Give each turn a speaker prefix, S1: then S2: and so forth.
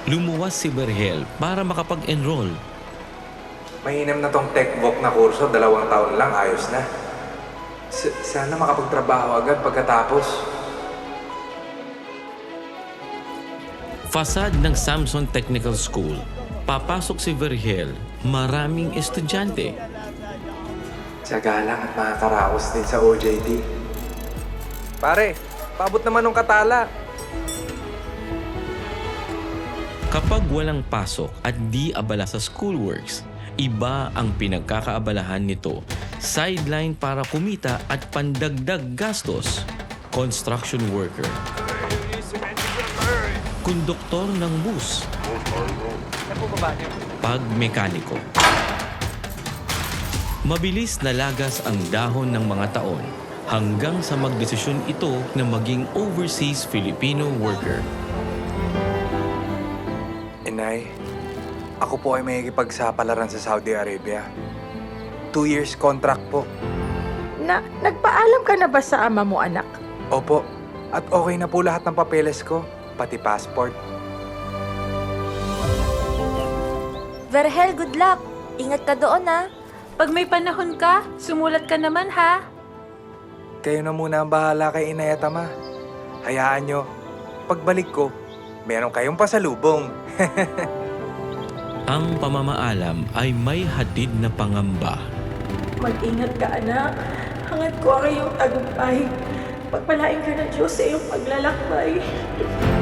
S1: Lumuwas si Berhel para makapag-enroll.
S2: Mainam na tong tech-voc na kurso, 2 taon lang, ayos na. Sana makapagtrabaho agad pagkatapos.
S1: Fasad ng Samson Technical School. Papasok si Berhel, maraming estudyante.
S2: Tiyaga lang at makakaraos din sa OJT. Pare, paabot naman ng katala.
S1: Kapag walang pasok at di abala sa schoolworks, iba ang pinagkakaabalahan nito. Sideline para kumita at pandagdag gastos. Construction worker. Konduktor ng bus. Pagmekaniko. Mabilis na lagas ang dahon ng mga taon hanggang sa magdesisyon ito na maging overseas Filipino worker.
S2: Inay, ako po ay may ikipagsapalaran sa Saudi Arabia. 2 years contract po.
S3: Nagpaalam ka na ba sa ama mo, anak?
S2: Opo, at okay na po lahat ng papeles ko, pati passport.
S4: Verhel, good luck. Ingat ka doon, ha?
S5: Pag may panahon ka, sumulat ka naman, ha?
S2: Kayo na muna ang bahala kay Inay at Ama. Hayaan nyo, pagbalik ko, meron kayong pasalubong.
S1: Ang pamamaalam ay may hatid na pangamba.
S3: Mag-ingat ka, anak. Hangat ko ang iyong tagumpay. Pagpalain ka ng Diyos sa iyong paglalakbay.